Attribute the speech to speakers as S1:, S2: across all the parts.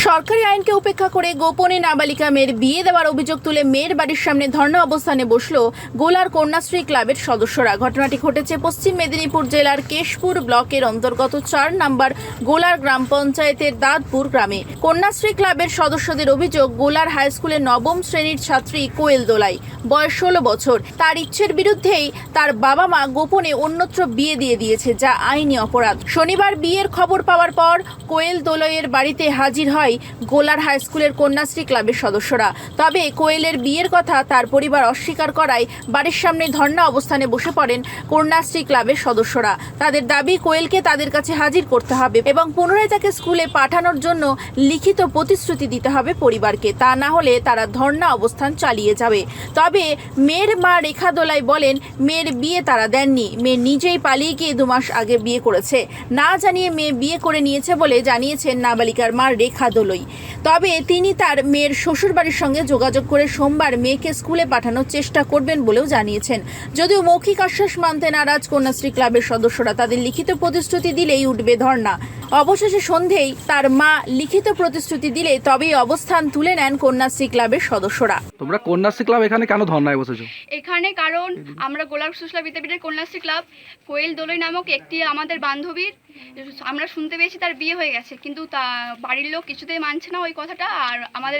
S1: সরকারি আইনকে উপেক্ষা করে গোপনে নাবালিকা মেয়ের বিয়ে দেওয়ার অভিযোগ তুলে মেয়ের বাড়ির সামনে ধর্ণা অবস্থানে বসলো গোলার কন্যাশ্রী ক্লাবের সদস্যরা। ঘটনাটি ঘটেছে পশ্চিম মেদিনীপুর জেলার কেশপুর ব্লকের অন্তর্গত ৪ নম্বর গোলার গ্রাম পঞ্চায়েতের দাঁতপুর গ্রামে। কন্যাশ্রী ক্লাবের সদস্যদের অভিযোগ, গোলার হাই স্কুলের নবম শ্রেণীর ছাত্রী কোয়েল দোলাই, বয়স ১৬ বছর, তার ইচ্ছের বিরুদ্ধেই তার বাবা মা গোপনে অন্যত্র বিয়ে দিয়ে দিয়েছে, যা আইনি অপরাধ। শনিবার বিয়ের খবর পাওয়ার পর কোয়েল দোলাইয়ের বাড়িতে হাজির হয় গোলার হাই স্কুলের কন্যাশ্রী ক্লাবের সদস্যরা। তবে কোয়েলের বিয়ের কথা তার পরিবার অস্বীকার করায় বাড়ির সামনে ধর্ণা অবস্থানে বসে পড়েন কন্যাশ্রী ক্লাবের সদস্যরা। তাদের দাবি, কোয়েলকে তাদের কাছে হাজির করতে হবে এবং পুনরায় তাকে স্কুলে পাঠানোর জন্য লিখিত প্রতিশ্রুতি দিতে হবে পরিবারকে, তা না হলে তারা ধর্ণা অবস্থান চালিয়ে যাবে। তবে মেয়ের মা রেখা দোলাই বলেন, মেয়ের বিয়ে তারা দেননি, মেয়ে নিজেই পালিয়ে গিয়ে 2 মাস আগে বিয়ে করেছে, না জানিয়ে মেয়ে বিয়ে করে নিয়েছে বলে জানিয়েছেন নাবালিকার মা রেখা দোলাই। তবে তিনি তার মেয়ের শ্বশুরবাড়ির সঙ্গে যোগাযোগ করে সোমবার মেয়েকে স্কুলে পাঠানোর চেষ্টা করবেন বলেও জানিয়েছেন। যদিও মৌখিক আশ্বাস মানতে নারাজ কন্যাশ্রী ক্লাবের সদস্যরা, তাদের লিখিত প্রতিশ্রুতি দিলেই উঠবে ধর্ণা। অবশেষে সন্ধেই তার মা লিখিত প্রতিশ্রুতি দিলে তবেই অবস্থান তুলে নেন কন্যাশ্রী ক্লাবের সদস্যরা।
S2: তোমরা কন্যাশ্রী ক্লাব এখানে কেন ধর্নায় বসেছো?
S3: এখানে কারণ আমরা গোলাপ সুশলা বিদ্যাপীঠের কন্যাশ্রী ক্লাব, কোয়েল দোলই নামক একটি আমাদের বান্ধবীর, আমরা শুনতে পেয়েছি তার বিয়ে হয়ে গেছে, কিন্তু তা বাড়ির লোক কিছুতেই মানছে না ওই কথাটা, আর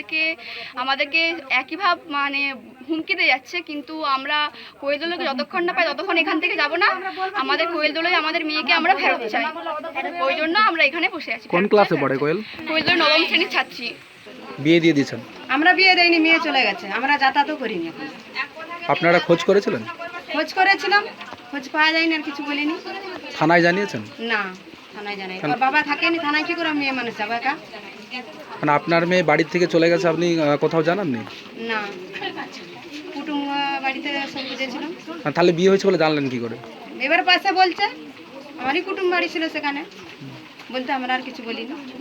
S3: আমাদেরকে একইভাব মানে হুমকি দিয়ে যাচ্ছে। কিন্তু আমরা কোয়েল দোলকে যতক্ষণ না পাই ততক্ষণ এখান থেকে যাব না। আমাদের কোয়েল দোলই আমাদের মেয়েকে আমরা ফেরত চাই, ওই জন্য আমরা এখানে বসে আছি।
S2: কোন ক্লাসে পড়ে কোয়েল?
S3: কোয়েল দোল 9ম শ্রেণীর ছাত্রী।
S2: বিয়ে দিয়ে দিয়েছেন?
S4: আমরা বিয়ে দেয়নি, মেয়ে চলে গেছে, আমরা যাতায়াতও করিনি। এখন
S2: আপনারা খোঁজ করেছিলেন?
S4: খোঁজ করেছিলাম, খোঁজ পাওয়া যায়নি, আর কিছু বলিনি।
S2: থানায় জানিয়েছেন?
S4: না, থানায় জানাই। ওর বাবা থাকেনি, থানায় কি করে মেয়ে মানুষ যাবে একা?
S2: মানে আপনার মেয়ে বাড়ির থেকে চলে গেছে, আপনি কোথাও জানাননি?
S4: না, কুটুম বাড়িতে সব বুঝেছিলাম।
S2: তাহলে বিয়ে হয়েছে বলে জানলেন কি করে?
S4: এবার পাশে বলছে, আমারই কুটুম বাড়ি ছিল সেখানে, বলতে আমরা আর কিছু বলিনি।